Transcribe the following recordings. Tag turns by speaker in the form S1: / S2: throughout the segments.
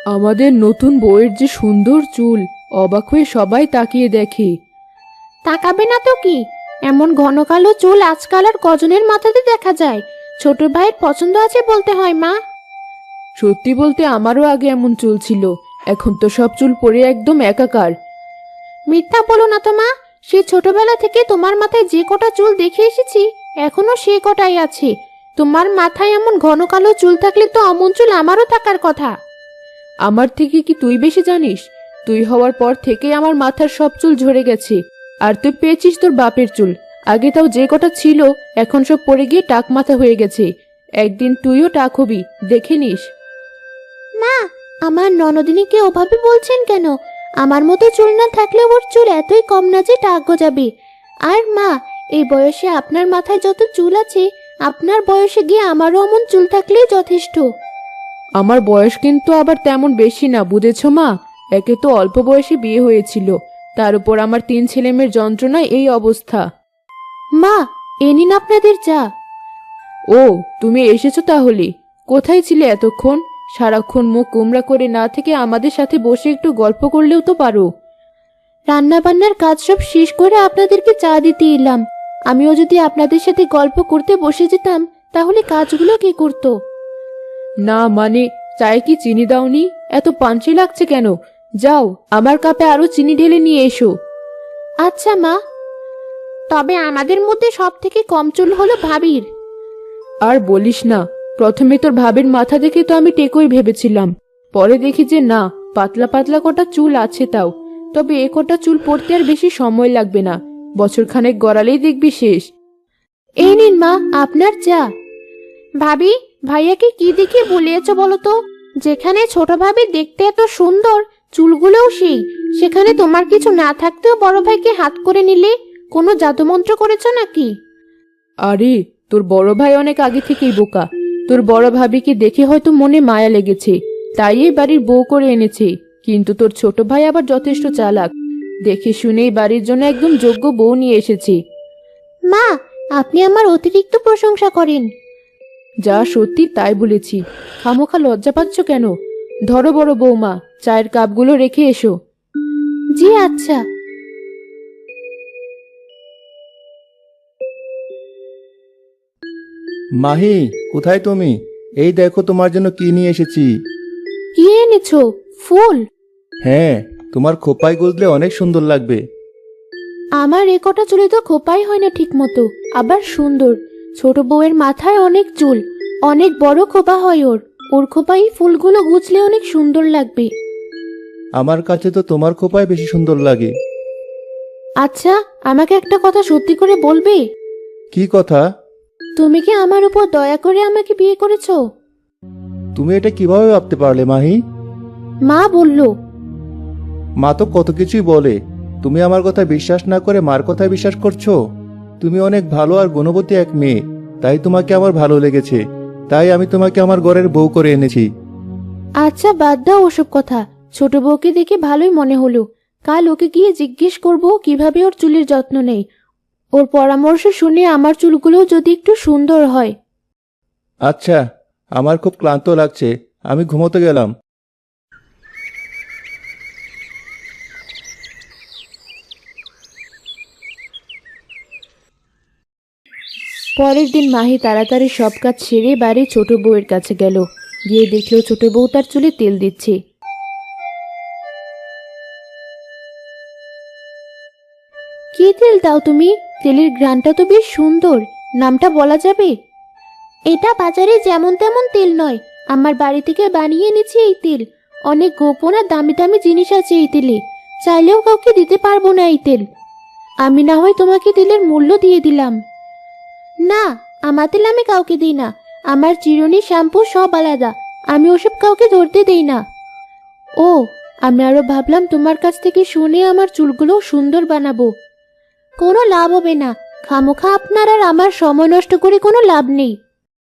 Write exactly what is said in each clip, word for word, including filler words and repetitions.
S1: আমাদের নতুন বউয়ের যে সুন্দর চুল, অবাক হয়ে সবাই তাকিয়ে দেখে।
S2: তাকাবে না তো কি, এমন ঘন কালো চুল আজকাল আর কজনের মাথাতে দেখা যায়। ছোট ভাইয়ের পছন্দ আছে বলতে হয় মা।
S1: সত্যি বলতে আমারও আগে এমন চুল ছিল, এখন তো সব চুল পড়ে একদম একাকার।
S2: মিথ্যা বলো না তো মা, সেই ছোটবেলা থেকে তোমার মাথায় যে কটা চুল দেখে এসেছি এখনো সে কটাই আছে। তোমার মাথায় এমন ঘন কালো চুল থাকলে তো অমন চুল আমারও থাকার কথা।
S1: আমার থেকে কি তুই বেশি জানিস? তুই হওয়ার পর থেকেই আমার মাথার সব চুল ঝরে গেছে। আর তুই পেয়েছিস তোর বাপের চুল, আগে তাও যে কটা ছিল এখন সব পড়ে গিয়ে টাক মাথা হয়ে গেছে। একদিন তুইও টাক হবি, দেখে নিস।
S2: মা, আমার ননদিনীকে ওভাবে বলছেন কেন? আমার মতো চুল না থাকলে ওর চুল এতই কম না যে টাক গজাবে। আর মা, এই বয়সে আপনার মাথায় যত চুল আছে, আপনার বয়সে গিয়ে আমারও অমন চুল থাকলেই যথেষ্ট।
S1: আমার বয়স কিন্তু আবার তেমন বেশি না, বুঝেছো মা? একে তো অল্প বয়সে বিয়ে হয়েছিল, তার উপর আমার তিন ছেলেমেয়ের যন্ত্রণায় এই অবস্থা।
S2: মা, এ নিন আপনাদের চা।
S1: ও, তুমি এসেছো তাহলে? কোথায় ছিলে এতক্ষণ? সারাক্ষণ মুখ কুমড়া করে না থেকে আমাদের সাথে বসে একটু গল্প করলেও তো পারো।
S2: রান্না বান্নার কাজ সব শেষ করে আপনাদেরকে চা দিতে এলাম। আমিও যদি আপনাদের সাথে গল্প করতে বসে যেতাম তাহলে কাজগুলো কে করতো?
S1: না মানে, চায়ে কি চিনি দাওনি? এত পাঞ্চি লাগছে কেন? যাও, আমার কাপে আরো চিনি ঢেলে নিয়ে এসো।
S2: আচ্ছা মা। তবে আমাদের মধ্যে সব থেকে কম চুল হলো ভাবির।
S1: আর বলিস না, প্রথমে তোর ভাবের মাথা দেখে তো আমি টেকই ভেবেছিলাম, পরে দেখি যে না, পাতলা পাতলা কটা চুল আছে তাও। তবে এ কটা চুল পড়তে আর বেশি সময় লাগবে না, বছর খানেক গড়ালেই দেখবি শেষ।
S2: এই নিন মা আপনার চা। ভাবি, ভাইয়াকে কি দেখে বলিয়েছ বলো তো? যেখানে ছোট ভাবি দেখতে এত সুন্দর, চুলগুলোও সেই, সেখানে তোমার কিছু না থাকতেও বড় ভাইকে হাত করে নিলে। কোনো জাদুমন্ত্র করেছ নাকি?
S1: আরে, তোর বড় ভাই অনেক আগে থেকেই বোকা। তোর বড় ভাবিকে দেখে হয়তো মনে মায়া লেগেছে, তাই এই বাড়ির বউ করে এনেছে। কিন্তু তোর ছোট ভাই আবার যথেষ্ট চালাক, দেখে শুনেই বাড়ির জন্য একদম যোগ্য বউ নিয়ে এসেছে।
S2: মা, আপনি আমার অতিরিক্ত প্রশংসা করেন।
S1: যা সত্যি তাই বলেছি, খামোখা লজ্জা পাচ্ছ কেন? ধরো বড় বৌমা, চায়ের কাপগুলো রেখে এসো।
S2: জি আচ্ছা।
S3: মাহি, কোথায় তুমি? এই দেখো তোমার জন্য কি নিয়ে এসেছি।
S2: কি এনেছো? ফুল?
S3: হ্যাঁ, তোমার খোপায় গুজলে অনেক সুন্দর লাগবে।
S2: আমার এ কটা চুলে তো খোপাই হয় না ঠিক মতো, আবার সুন্দর। ছোট বউয়ের মাথায় অনেক চুল, অনেক বড় খোপা হয় ওর। ওর খোপায় ফুলগুলো গুছলে অনেক সুন্দর লাগবে।
S3: আমার কাছে তো তোমার খোপায় বেশি সুন্দর লাগে।
S2: আচ্ছা, আমাকে একটা কথা সত্যি করে বলবে?
S3: কি কথা?
S2: তুমি কি আমার উপর দয়া করে আমাকে বিয়ে করেছো?
S3: তুমি এটা কিভাবে ভাবতে পারলে মাহি?
S2: মা বলল।
S3: মা তো কত কিছুই বলে, তুমি আমার কথা বিশ্বাস না করে মার কথা বিশ্বাস করছো? তুমি অনেক ভালো আর গুণবতী এক মেয়ে, তাই তোমাকে আমার ভালো লেগেছে। তাই আমি তোমাকে আমার ঘরের বউ করে এনেছি।
S2: আচ্ছা বাদ দাও ওসব কথা। ছোট বউকে দেখে ভালোই মনে হলো। কাল ওকে গিয়ে জিজ্ঞেস করব কিভাবে ওর চুলের যত্ন নেই। ওর পরামর্শ শুনে আমার চুলগুলোও যদি একটু সুন্দর হয়।
S3: আচ্ছা, আমার খুব ক্লান্ত লাগছে, আমি ঘুমোতে গেলাম।
S1: পরের দিন মাহি তাড়াতাড়ি সব কাজ সেরে বাড়ি ছোট বউয়ের কাছে গেল। গিয়ে দেখলো ছোট বউ তার চুলে তেল দিচ্ছে।
S2: কি তেল দাও তুমি? তেলের ঘ্রাণটা তো বেশ সুন্দর, নামটা বলা যাবে? এটা বাজারে যেমন তেমন তেল নয়, আমার বাড়ি থেকে বানিয়ে এনেছি এই তেল। অনেক গোপন আর দামি দামি জিনিস আছে এই তেলে, চাইলেও কাউকে দিতে পারবো না এই তেল। আমি না হয় তোমাকে তেলের মূল্য দিয়ে দিলাম। না, আমার তেল আমি কাউকে দিই না। আমার চিরুনি, শ্যাম্পু সব আলাদা, আমি ওসব কাউকে ধরতে দেই না। ও, আমি আরো ভাবলাম তোমার কাছ থেকে শুনে আমার চুলগুলো সুন্দর বানাবো। কোনো লাভ হবে না, খামোখা আপনার আর আমার সময় নষ্ট করে কোনো লাভ নেই।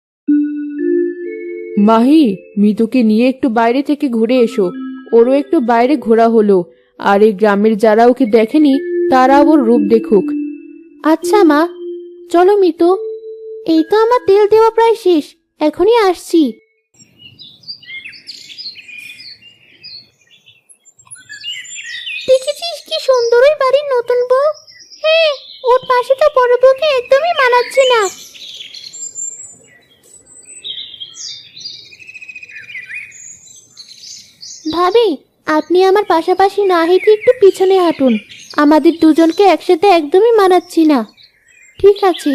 S1: মাহি, মিতুকে নিয়ে একটু বাইরে থেকে ঘুরে এসো, ওরও একটু বাইরে ঘোরা হলো। আর এই গ্রামের যারা ওকে দেখেনি তারা ওর রূপ দেখুক।
S2: আচ্ছা মা, চলো মিতু। এই তো আমার তেল দেওয়া প্রায় শেষ, এখনই আসছি। কি সুন্দর ওই বাড়ির নতুন বউ। হ্যাঁ, ওর পাশে তো বড় বউকে একদমই মানাচ্ছে না। ভাবি, আপনি আমার পাশাপাশি না হেঁটে একটু পিছনে হাঁটুন। আমাদের দুজনকে একসাথে একদমই মানাচ্ছি না। ঠিক আছে।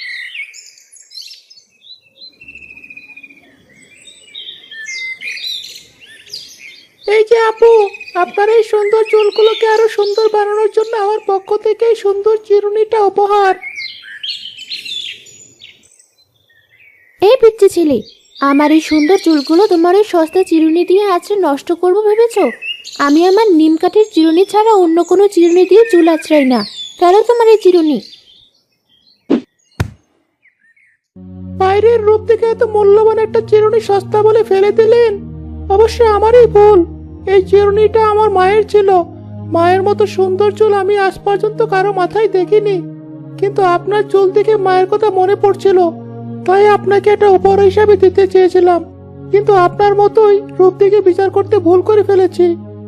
S4: এই যে আপু, আপনার এই সুন্দর চুলগুলোকে আরো সুন্দর বানানোর জন্য আমার পক্ষ থেকে এই সুন্দর চিরুনিটা উপহার।
S2: এই পিচ্চি ছেলে, আমার এই সুন্দর চুলগুলো তোমার এই সস্তা চিরুনি দিয়ে আঁচড়ে নষ্ট করবো ভেবেছো? আমি আমার নিম কাঠের চিরুনি ছাড়া অন্য কোনো চিরুনি দিয়ে চুল আঁচড়াই না। ফেলো তোমার এই চিরুনি।
S4: বাইরের রূপ দেখে এত মূল্যবান একটা চিরুনি সস্তা বলে ফেলে দিলেন। অবশ্যই আমারই ভুল। এই চিরুনিটা আমার মায়ের ছিল। মায়ের মতো সুন্দর চুল আমি আজ পর্যন্ত কারো মাথায় দেখিনি, কিন্তু আপনার চুল দেখে মায়ের কথা মনে পড়ছিল, তাই আপনাকে এটা উপহার হিসাবে দিতে চেয়েছিলাম। কিন্তু আপনার মতোই রূপ দেখে বিচার করতে ভুল করে ফেলেছি।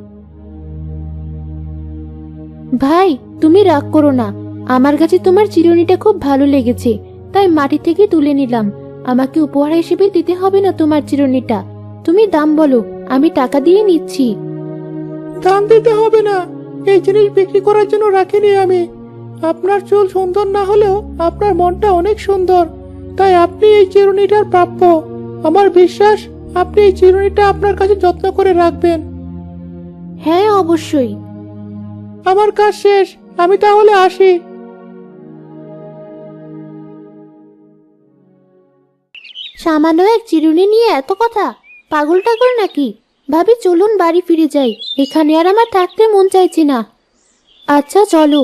S2: ভাই, তুমি রাগ করো না। আমার কাছে তোমার চিরুনিটা খুব ভালো লেগেছে, তাই মাটি থেকে তুলে নিলাম। আমাকে উপহার হিসেবে দিতে হবে না তোমার চিরুনিটা। তুমি দাম বলো, আমি টাকা দিয়ে নিচ্ছি।
S4: দাম দিতে হবে না, এই জিনিস বিক্রি করার জন্য রাখিনি আমি। আপনার চুল সুন্দর না হলেও আপনার মনটা অনেক সুন্দর, তাই আপনি এই চিরুনিটার প্রাপ্য। আমার বিশ্বাস আপনি এই চিরুনিটা আপনার কাছে যত্ন করে রাখবেন।
S2: হ্যাঁ, অবশ্যই।
S4: আমার কাজ শেষ, আমি তাহলে আসি।
S2: সামান্য এক চিরুনি নিয়ে এত কথা? পাগল টাগল নাকি? ভাবি, চলুন বাড়ি ফিরে যাই। এখানে আর আমার থাকতে মন চাইছে না। আচ্ছা, চলো।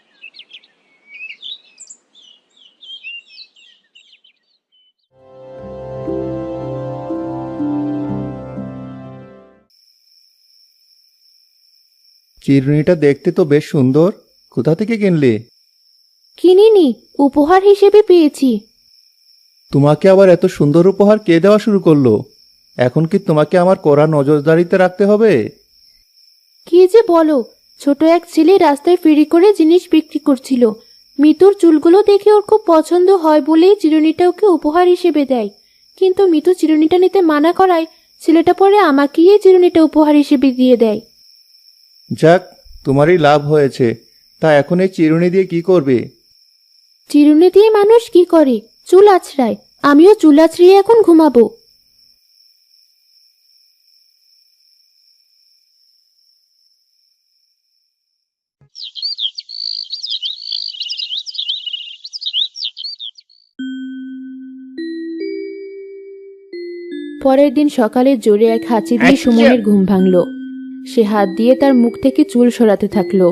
S3: চিরুনিটা দেখতে তো বেশ সুন্দর। কোথা থেকে কিনলে?
S2: কিনিনি, উপহার হিসেবে পেয়েছি।
S3: তোমাকে আবার এত সুন্দর উপহার কে দেওয়া শুরু করলো? এখন কি তোমাকে আমার কড়া নজরদারিতে রাখতে হবে?
S2: কি যে বলো! ছোট এক ছেলে রাস্তায় ফেরি করে জিনিস বিক্রি করছিল। মিতুর চুলগুলো দেখে ওর খুব পছন্দ হয় বলেই চিরুনিটা ওকে উপহার হিসেবে দেয়। কিন্তু মিতু চিরুনিটা নিতে মানা করায় ছেলেটা পরে আমাকেই এই চিরুনিটা উপহার হিসেবে দিয়ে দেয়।
S3: যাক, তোমারই লাভ হয়েছে। তা এখন এই চিরুনি দিয়ে কি করবে?
S2: চিরুনি দিয়ে মানুষ কি করে? চুল আঁচড়ায়। আমিও চুল আঁচড়িয়ে এখন ঘুমাবো। পরের দিন সকালে জোরে এক হাঁচি দিয়ে সুমনের ঘুম ভাঙল। সে হাত দিয়ে তার মুখ থেকে চুল সরাতে থাকলো।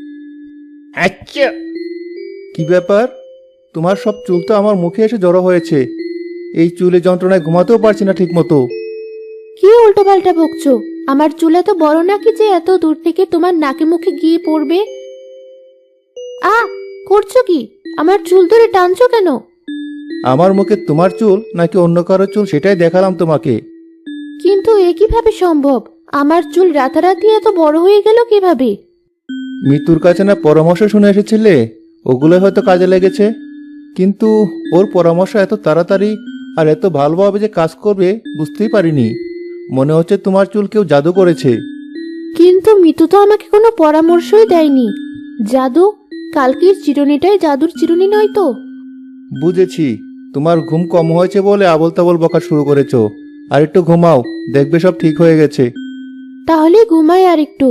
S3: কি ব্যাপার? তোমার সব চুল তো আমার মুখে এসে জড়ো হয়েছে। এই চুলে যন্ত্রণায় ঘুমাতেও পারছি না ঠিক মতো।
S2: কি উল্টো পাল্টা বকছো? আমার চুল এত বড় নাকি যে এত দূর থেকে তোমার নাকে মুখে গিয়ে পড়বে? আ করছো কি? আমার চুল ধরে টানছো কেন?
S3: আমার মুখে তোমার চুল নাকি অন্য কারো চুল সেটাই দেখালাম তোমাকে।
S2: কিন্তু এ কিভাবে সম্ভব? আমার চুল রাতারাতি এত বড় হয়ে গেল কিভাবে?
S3: মৃত্যুর কাছে না পরামর্শ শুনে এসেছিলে, ওগুলোই হয়তো কাজে লেগেছে। কিন্তু ওর পরামর্শ এত তাড়াতাড়ি আর এত ভালোভাবে যে কাজ করবে বুঝতেই পারিনি। মনে হচ্ছে তোমার চুল কেউ জাদু করেছে।
S2: কিন্তু মিতু তো আমাকে কোনো পরামর্শই দেয়নি। জাদু? কালকের চিরুনিটাই জাদুর চিরুনি নয় তো?
S3: বুঝেছি, তোমার ঘুম কম হয়েছে বলে আবল তাবল বকা শুরু করেছো। আর একটু ঘুমাও, দেখবে সব ঠিক হয়ে গেছে।
S2: তাহলে ঘুমাই আর একটু।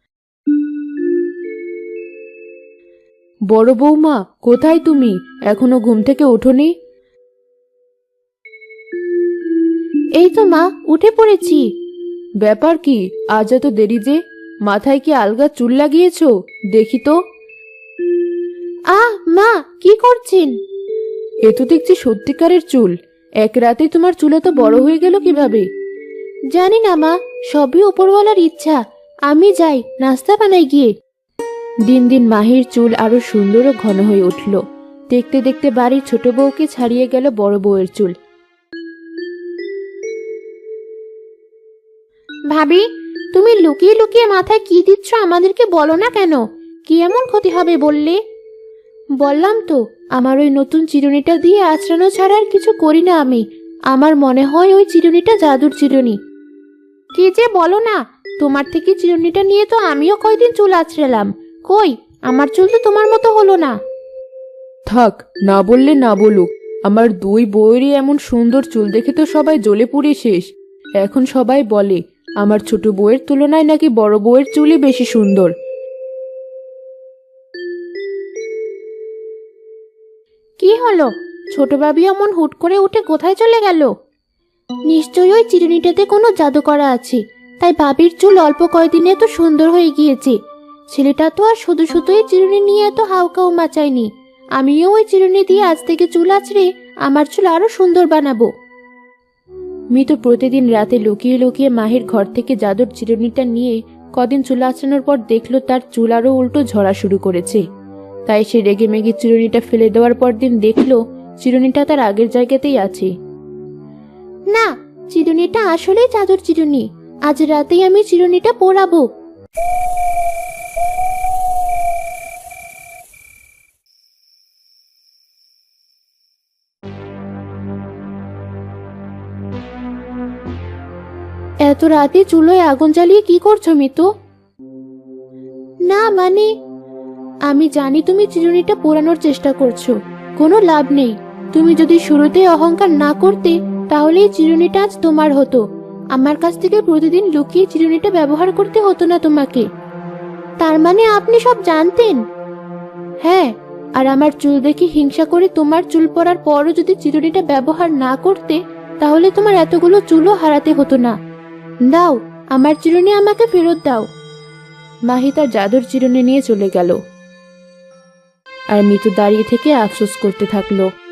S1: বড় বৌমা, কোথায় তুমি? এখনো ঘুম থেকে ওঠোনি?
S2: এই তো মা, উঠে পড়েছি।
S1: ব্যাপার কি আজ এত দেরি যে? মাথায় কি আলগা চুল লাগিয়েছো? দেখি তো।
S2: আহ মা, কি করছেন?
S1: এ তো দেখছি সত্যিকারের চুল। এক রাতে তোমার চুল এত বড় হয়ে গেল কিভাবে?
S2: জানি না মা, সবই উপরওয়ালার ইচ্ছা। আমি যাই, নাস্তা বানাই গিয়ে।
S1: দিন দিন মাহির চুল আরো সুন্দর ও ঘন হয়ে উঠল। দেখতে দেখতে বাড়ির ছোট বউকে ছাড়িয়ে গেল বড় বউয়ের চুল।
S2: ভাবি, তুমি লুকিয়ে লুকিয়ে মাথায় কি দিচ্ছ আমাদেরকে বলো না কেন? কি এমন ক্ষতি হবে বললে? বললাম তো, আমার ওই নতুন চিরুনিটা দিয়ে আঁচড়ানো ছাড়া আর কিছু করি না আমি। আমার মনে হয় ওই চিরুনিটা জাদুর চিরুনি। কি যে বলো না, তোমার থেকে চিরুনিটা নিয়ে তো আমিও কয়দিন চুল আঁচড়ালাম। কই, আমার চুল তো তোমার মতো হলো না।
S1: থাক, না বললে না বলুক, আমার দুই বউয়েরই এমন সুন্দর চুল দেখে তো সবাই জ্বলে পুড়ে শেষ। এখন সবাই বলে আমার ছোট বউয়ের তুলনায় নাকি বড় বউয়ের চুলই বেশি সুন্দর।
S2: কি হলো? ছোট ভাবি অমন হুট করে উঠে কোথায় চলে গেল? নিশ্চয়ই ওই চিরুনিটাতে কোনো জাদু করা আছে, তাই ভাবির চুল অল্প কয়দিনে এত সুন্দর হয়ে গিয়েছে। ছেলেটা তো আর শুধু শুধুই চিরুনি নিয়ে এত হাউকাউ মাচায়নি। আমিও ওই চিরুনি দিয়ে আজ থেকে চুল আঁচড়ে আমার চুল আরো সুন্দর বানাবো।
S1: মিতু প্রতিদিন রাতে লুকিয়ে লুকিয়ে মাহির ঘর থেকে জাদুর চিরুনিটা নিয়ে কদিন চুল আঁচড়ানোর পর দেখলো তার চুল আরো উল্টো ঝরা শুরু করেছে। তাই সে রেগে মেগে চিরুনিটা ফেলে দেওয়ার পর দিন দেখলো চিরুনিটা তার আগের জায়গাতেই আছে।
S2: না, চিরুনিটা আসলেই জাদুর চিরুনি। আজ রাতেই আমি চিরুনিটা পরাবো।
S1: এত রাতে চুলোয় আগুন জ্বালিয়ে কি করছো মিতু?
S2: না মানে,
S1: আমি জানি তুমি চিরুনিটা পোড়ানোর চেষ্টা করছো, কোনো লাভ নেই। তুমি যদি শুরুতেই অহংকার না করতে তাহলে এই চিরুনিটা আজ তোমার হতো। আমার কাছ থেকে প্রতিদিন লুকিয়ে চিরুনিটা ব্যবহার করতে হতো না তোমাকে।
S2: তার মানে আপনি সব জানতেন?
S1: হ্যাঁ, আর আমার চুল দেখে হিংসা করে তোমার চুল পড়ার পরও যদি চিরুনিটা ব্যবহার না করতে তাহলে তোমার এতগুলো চুলও হারাতে হতো না। দাও, আমার চিরুনি আমাকে ফেরত দাও। মাহি তার জাদুর চিরুনি নিয়ে চলে গেল আর মিতু দাঁড়িয়ে থেকে আফসোস করতে থাকলো।